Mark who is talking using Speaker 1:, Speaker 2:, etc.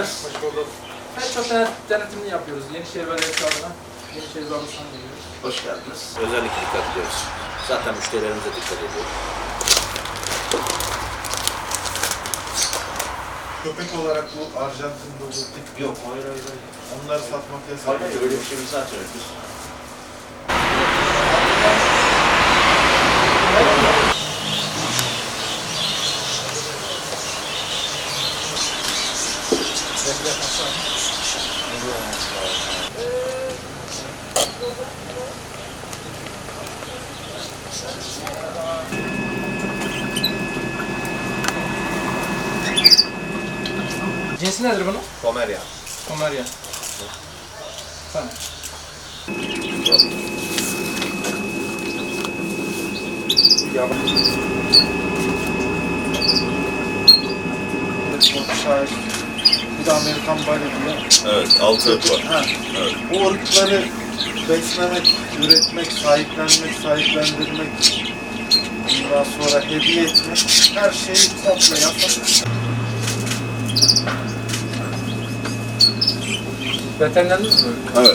Speaker 1: geldiniz.
Speaker 2: Hoş bulduk. Pet shop denetimini yapıyoruz. Yenişehir Belediyesi adına. Yenişehir Babası'na geliyoruz.
Speaker 1: Hoş geldiniz. Özellikle dikkat ediyoruz. Zaten müşterilerimize dikkat ediyoruz.
Speaker 3: Köpek olarak bu Arjantin dolu tip
Speaker 1: Yok, hayır.
Speaker 3: onları satmak yasak.
Speaker 1: Hayır, öyle bir şey biz zaten biz.
Speaker 2: Cinsi nedir bunun?
Speaker 1: Pomerya.
Speaker 2: Pomerya. Tamam.
Speaker 3: Şahit. Bir de Amerikan Balyo'da.
Speaker 1: Evet, 6 ırk var.
Speaker 3: Ha.
Speaker 1: Evet.
Speaker 3: O ırkları beslemek, üretmek, sahiplendirmek, ondan sonra hediye etmek, her şeyi komple yasak.
Speaker 2: Veterinerdiniz mi?
Speaker 1: Evet.